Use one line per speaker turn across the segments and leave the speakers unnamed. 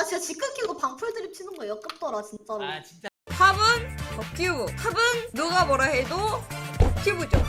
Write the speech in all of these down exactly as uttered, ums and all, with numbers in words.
진짜 집 끊기고 방풀 드립 치는 거 역겹더라 진짜로.
아 진짜.
탑은 덕큐브. 탑은 누가 뭐라 해도 덕큐브죠.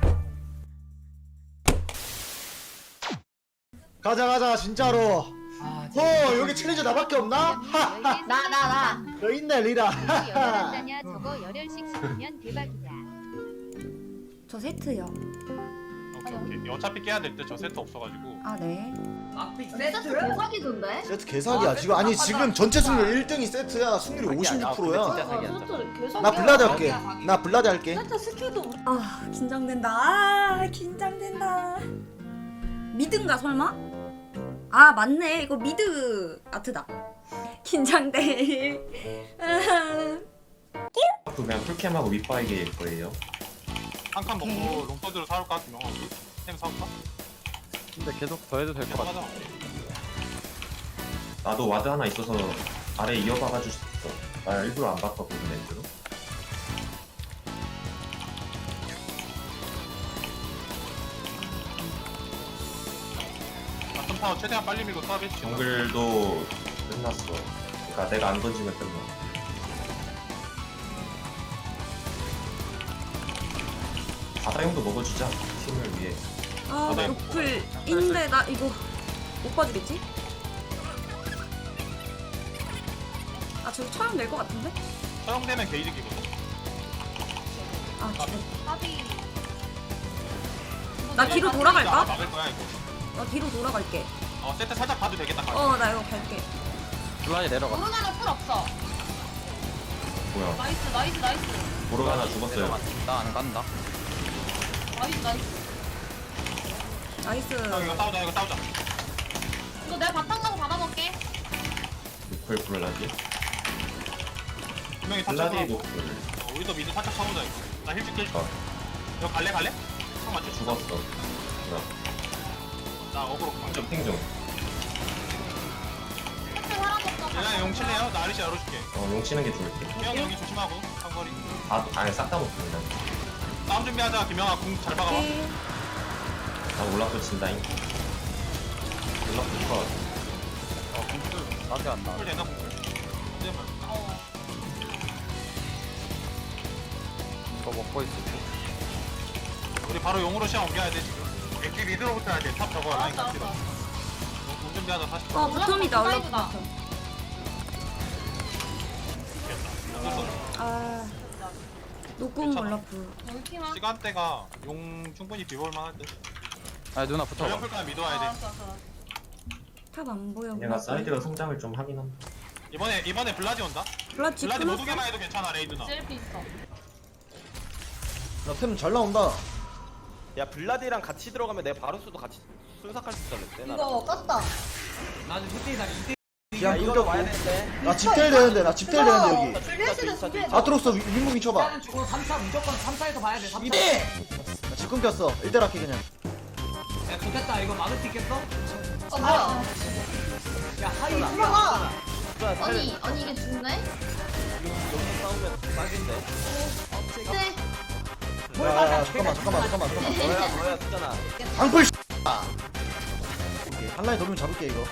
가자 가자 진짜로.
아,
어 여기 챌린저 나밖에 없나? 하하.
나 나 나.
너 있네 리라.
열한자냐 저거 열혈식 시키면 대박이다.
저 세트요.
오케이 오케이. 어차피 깨야 될 때 저 세트 없어가지고.
아 네.
막픽
세트
세트?
대박이던데?
세트 개사기야
아,
지금. 아니
세트
지금 전체 승률 일 등이 세트야. 승률이 오십육 퍼센트야.
진짜
아,
사기야.
세트 개사기야.
나 블라드 할게. 나 블라드 할게.
세트 스킬도
아 긴장된다. 아 긴장된다. 미드인가 설마? 아 맞네. 이거 미드 아트다. 긴장돼.
그냥 풀캠하고 윗바이게일 거예요.
한 칸
오케이.
먹고 롱서드로 사올까? 김영아 우리? 템 사올까?
근데 계속 더 해도 될 것 같아.
하자.
나도 와드 하나 있어서 아래 이어박아줄 수 있어. 나 일부러 안 바꿨거든 렌즈로.
바텀 타워 최대한 빨리 밀고 타겟 치.
정글도 끝났어. 그러니까 내가 안 던지면 끝나. 바다용도 먹어주자. 팀을 위해.
아
네.
노플인데 나 이거 못 봐주겠지? 아 저기 처형 될 것 같은데?
허용되면 게이득이거든.
아
아,
지금
밥이.
나 뒤로 돌아갈까?
막을 거야 이거.
나 뒤로 돌아갈게.
어 세트 살짝 봐도 되겠다.
어 나 이거 갈게.
블라이 내려가.
모르가나 풀 없어.
뭐야?
나이스 나이스 나이스
모르가나 죽었어요.
나안 간다.
나이스 나이스.
나이스.
형 이거 싸우자 이거 싸우자.
이거 내가 바탕 가고 받아먹게.
노플 블라디.
분명히 살짝
블라디
하고.
노플.
어, 우리도 미드 살짝 쳐보자 이거. 나 힐 줄게.
어.
이거 갈래 갈래? 형 맞춰.
죽었어. 뭐야?
나 어그로.
좀 핑 좀.
세트 사람 없어.
얘랑 용 칠래요? 나 아리시 열어줄게.
어, 용 치는 게 좋을 듯.
형 여기 조심하고 상거리.
아, 아니 싹 다 먹고 그냥.
싸움 준비하자. 김영아 궁 잘 박아봐.
오케이.
나 올라프 친다잉. 올라프 컷.
어, 공풀 나한테 안 나와.
궁 되나 궁? 근데 뭐.
어.
이거 먹고 있어.
우리 바로 용으로 시간 옮겨야 돼 지금. 엑기 리드로부터 해야 돼. 탑 저거 라인
알았어
같이로.
알았어.
궁 준비하자 사십.
어 바텀이다. 올라
사이드다.
바텀.
됐어.
아 노궁 올라프.
여기 팀아.
시간대가 용 충분히 비볼 만할 듯.
아 누나 붙어봐.
전력 풀까지 믿어야 돼.
알았어 알았어.
탑 안 보여.
얘가 사이드가 성장을 좀 하긴 한다.
이번에 이번에 블라디 온다.
블라디
블라디 못
끊었어?
오게만 해도 괜찮아 레이 누나.
셀프 있어.
나템 잘 나온다.
야 블라디랑 같이 들어가면 내가 바루스도 같이 순삭할 수 있었는데 나.
이거 깠다.
나도 세트에 나 이때.
그냥
이거
끊겼고.
와야 되는데.
나 집텔 되는데 나 집텔 되는데 여기.
준비해주세요 준비해.
아트록스 윙무빙 쳐봐.
일단은 주고 삼 차 무조건 삼 차에서 봐야 돼. 삼 차.
이대. 나 집 끊겼어. 일 대 할게 그냥.
야 좋겠다. 이거 막을 수 있겠어?
어 뭐야?
야 하이.
올라가.
아니
아니 아니 이게 죽네?
여기서 싸우면 딱인데.
네.
야, 야, 야, 잠깐만 잠깐만 잠깐만 잠깐만.
너야 너야 쓰잖아.
방풀. 한 라인 돌면 잡을게 이거.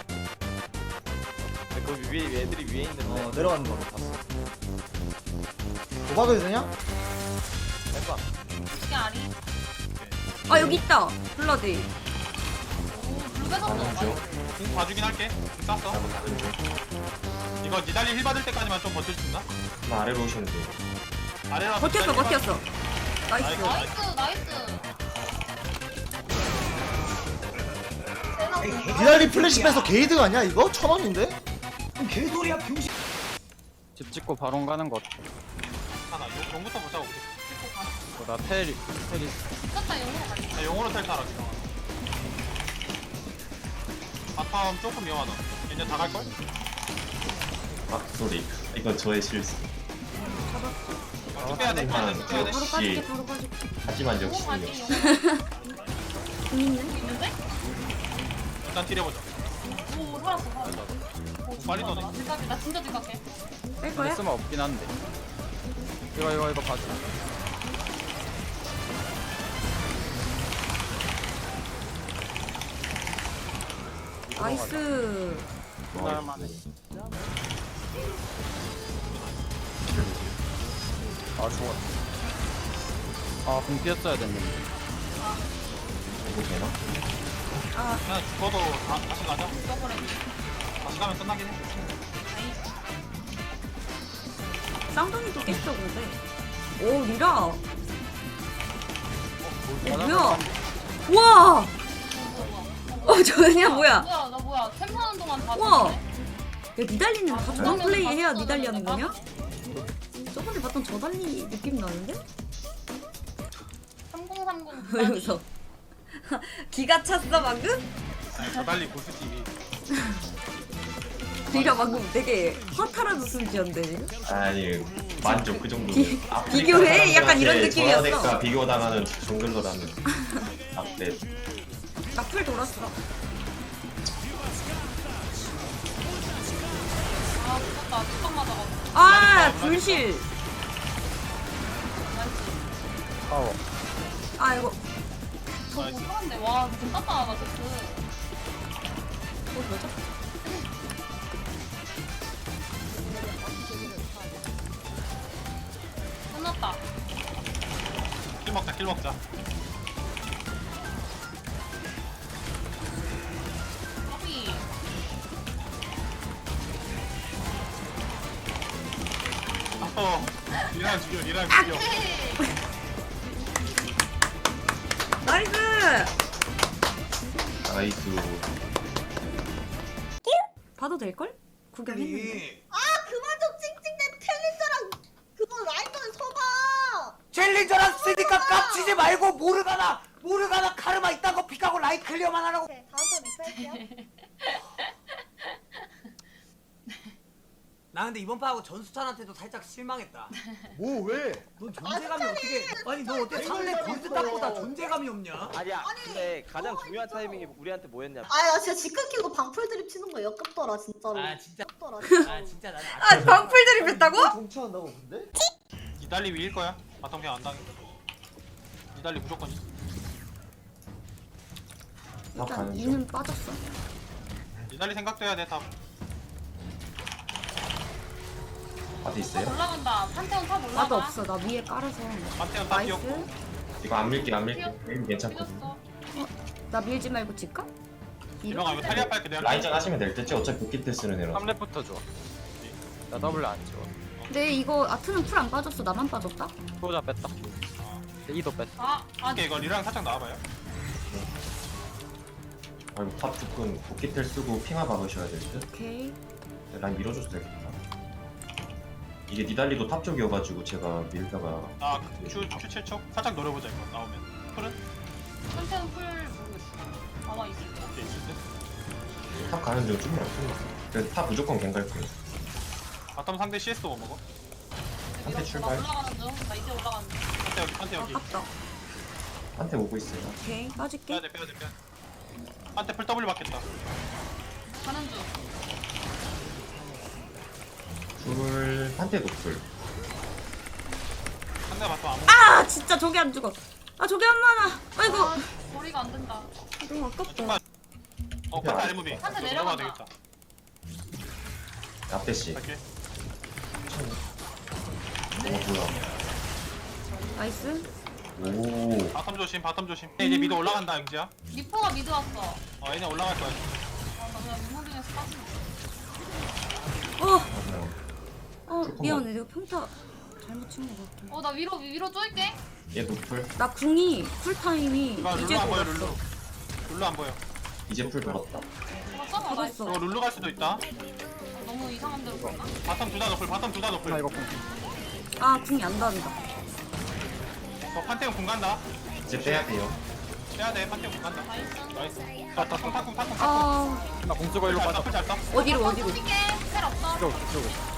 거기 위에 애들이 위에 있는데.
어 내려가는 거 봤어. 도박해도 되냐?
해봐.
이게 아리.
아 여기 있다. 블라디.
블루베가
다른
없어.
중.
궁 봐주긴 할게. 궁 땄어.
다른 중.
이거 니달리 힐 받을 때까지만 좀 버틸 수 있나?
나 아래로 오시면 돼.
아래라.
버텼어 버텼어. 나이스.
나이스 나이스.
니달리 플래시 빼서 게이드가 아니야 이거? 천 원인데?
개소리야 병신.
집 짓고 바론 가는 거.
하나. 용, 용부터 보자고 우리.
나 테리 테리.
미쳤다 영으로 갈게.
자, 용으로 텔 타라 지금. 바텀 조금 위험하다. 이제 다 갈걸?
아 소리. 이건 저의 실수.
쭉 빼야 돼. 빼야 돼. 쭉 빼야 돼.
바로 빠질게 바로 빠질게.
하지만
영으로
역시
갈게
역시.
영으로.
공 있네.
있는데?
일단 딜해보자.
오 살았어 살았어. 오,
빨리
죽었다.
떠네.
나 생각해. 나 진짜 생각해.
뺄
근데
거야?
쓰면 없긴 한데. 이거 이거 이거 봐줘.
나이스.
끝날만해. 아 죽었다. 아공 피했어야 됐는데.
이거 되나?
그냥 죽어도 다, 다시 가자. 다시 가면 끝나긴 해.
쌍둥이도 깼어 근데. 오 리라. 어, 뭐야? 우와. 어 저냐 뭐야?
뭐야 나 뭐야 템파는 동안 다
우와.
줬네.
야 니달리는 다 저런 플레이 해야 니달리 하는 거냐? 저번에 봤던 저달리 느낌 나는데?
삼공삼공
왜 웃어? 기가 찼어 방금?
아니, 저 달리 고스티비.
리라 방금 되게 허탈한 웃음 지었는데 지금?
아니 만족 그 정도.
비- 비교해? 약간 이런 느낌이었어.
저하대가 비교당하는 정글러라는. 아, 네.
나풀 돌았어.
아 죽었다 뚜껑 맞아가지고
아 불실.
파워.
아 이거
저거 사는데 와 진짜 땄다 제트
뭐 뭐죠?
끝났다
킬 먹자, 킬 먹자.
커피
어, 리랑 죽여, 리랑 죽여.
나이스.
나이스.
봐도 될 걸? 구경했는데.
아니
그만 좀 찡찡대 챌린저랑 그거 라이브는 서봐.
챌린저랑 쓰니까 깝치지 말고 모르가나 모르가나 카르마 있다고 픽하고 라이트 클리어만 하라고.
오케이, 다음 번 리플할게요.
나 근데 이번 판하고 전수찬한테도 살짝 실망했다.
뭐 왜?
넌 존재감이 어떻게? 아니 너 어떻게 상대 골드 탑보다 존재감이 없냐?
아니야. 근데 가장 중요한 타이밍이 우리한테 뭐였냐?
아야 진짜 집 끊기고 방풀 드립 치는 거 역겹더라 진짜로.
아 진짜
역겹더라.
아 진짜 나는
아 방풀 드립했다고?
정치한다고 근데?
니달리 위일 거야. 바텀 그냥 안 당해. 니달리 무조건 있어.
다
일단
가는 중.
이는 빠졌어.
니달리 생각도 해야 돼, 다.
바드 있어요?
올라간다 판테온 탑 올라가
나도 없어. 나 위에 깔아서.
판테온 다
나이스.
뛰었고.
이거 안 밀게 안 밀게. 게임 괜찮거든.
뛰었어
나 밀지 말고 집가?
이명아, 이거 타리아 빨게 내가.
라인전 하시면 될 듯지 어차피 복귀 때 쓰는 애라.
삼 렙부터 줘. 나 더블 안 줘.
근데 이거 아트는 풀 안 빠졌어. 나만 빠졌다?
소자 뺐다. 이도 뺐어.
아 아,
오케이, 이거 리랑 살짝 나와봐요.
아이고 탑 조금 복귀 텔 쓰고 핑하 박으셔야 될 듯.
오케이.
라인 밀어줘도 되겠다. 이게 니달리도 탑 쪽이어가지고 제가 밀다가
아, Q, Q 칠 초? 살짝 노려보자, 이거. 나오면. 풀은?
판테온 풀 모르겠어 아마 있을 거야
오케이, 있을 듯.
탑 가는 중 좀만 풀렸어. 그래서 탑 무조건 갱갈 거예요.
바텀 상대 씨에스도 못 먹어.
한테
나
출발.
올라가는 중나 이제 올라가는 중
판테 여기, 판테 여기.
아깝다.
한테 오고 있어요.
오케이. 빠질게.
빼야돼, 빼야돼, 빼야돼. 판테 풀 W 받겠다.
가는 중
풀 한테 노풀.
상대가 바텀 안 먹어.
아 진짜 저게 안 죽어. 아 저게 안 많아. 아이고.
아 거리가 안 된다
너무 아깝다.
정말. 어, 판테 아래 무비.
판테
넘어가야
내려가자.
되겠다.
앞대씨.
갈게.
어 뭐야.
나이스.
오.
바텀 조심, 바텀 조심. 이제 미드 올라간다, 영지야.
리퍼가 미드 왔어
어, 얘네 올라갈 거야.
아나 그냥 유모딩에서 빠지고
어.
맞아요.
어
조금만.
미안해. 내가 평타 잘못 친 것 같아.
어나 위로 위로 쪼일게
얘 노풀.
나 궁이 쿨타임이
이거
이제
룰루 안 보여,
돌았어.
룰루. 룰루 안 보여.
이제 풀 돌았다.
잡았잖아 나이스
잡았어.
이거 룰루 갈 수도 있다.
너무 이상한 데로 갔나?
바텀 둘 다 노플, 바텀 둘 다 노플.
나 이거 공.
아 궁이 안 닿는다.
어, 판테온 공 간다.
이제 빼야 돼요.
빼야 돼, 판테온 공 간다.
나이스
나이스. 아, 타쿵, 타쿵, 타쿵, 타쿵.
아
나공 쓰고 일로
잘
빠져.
떠, 잘 떠.
어디로 어디로?
쪼일게 텔 없어
이쪽 이쪽으로.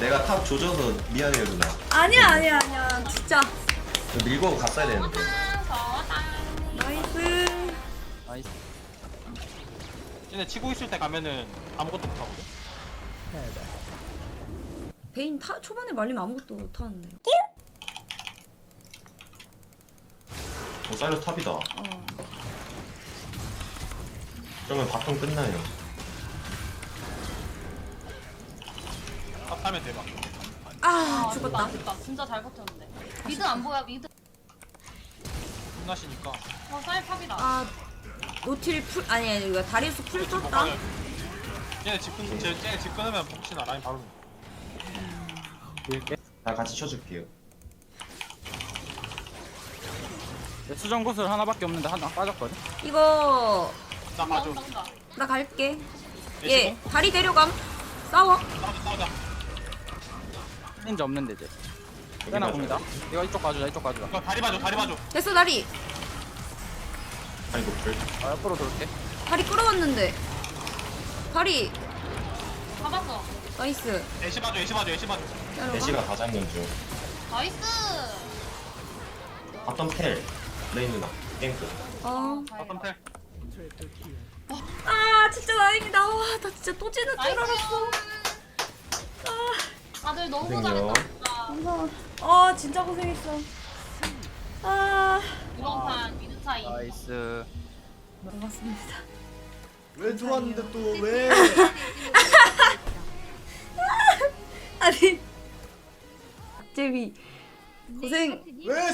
내가 탑 조져서 미안해요 누나.
아니야 아니야 아니야 진짜.
밀고 갔어야 되는데.
나이스.
나이스.
쟤네 치고 있을 때 가면은 아무것도 못 하거든.
베인 타 초반에 말리면 아무것도 못 하는데.
어 사이러스 탑이다.
어.
그러면 바텀 끝나요.
탑하면 대박.
아
아
죽었다.
됐다. 진짜 잘 버텼는데. 미드 안 보여 미드.
끝나시니까.
어 쌀팝이다.
아 노틸 풀 아니 아니 이거 다리우스 풀 떴다.
쟤네 집 끊, 쟤- 쟤네 집 끊으면 혹시나 라인 바로.
밀게.
나 같이 쳐줄게요.
내 수정 구슬 하나밖에 없는데 하나 빠졌거든.
이거
나 봐줘.
나온다 온다.
나 갈게.
예,
얘 다리 데려감. 싸워.
싸우자 싸우자.
린지 없는데 이제.
여기
빼나
봐줘.
봅니다. 이거 이쪽 가주자 이쪽 가주자.
이거 다리 봐줘 다리 봐줘.
됐어 다리.
아니 노플.
아 옆으로 돌게.
다리 끌어왔는데. 다리.
잡았어.
나이스.
애쉬 봐줘 애쉬 봐줘 애쉬 봐줘.
따라가.
애쉬가 다 잡는 중.
나이스.
바텀 텔. 레인 누나. 땡크.
어.
바텀 텔.
아 진짜 다행이다. 와 나 진짜 또 지는 줄
나이스.
알았어.
다들 너무
고생해요.
잘했다. 진짜.
감사합니다. 아 진짜 고생했어. 아
이번 판 미드 차이.
나이스.
고맙습니다.
왜 좋았는데 또 왜?
아니 박재미 고생.
왜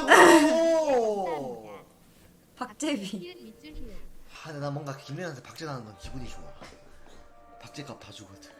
쏘냐고!
박재미.
밑줄 히읗.
아, 근데 나 뭔가 김혜연한테 박제 나는 건 기분이 좋아. 박제값 다 주거든.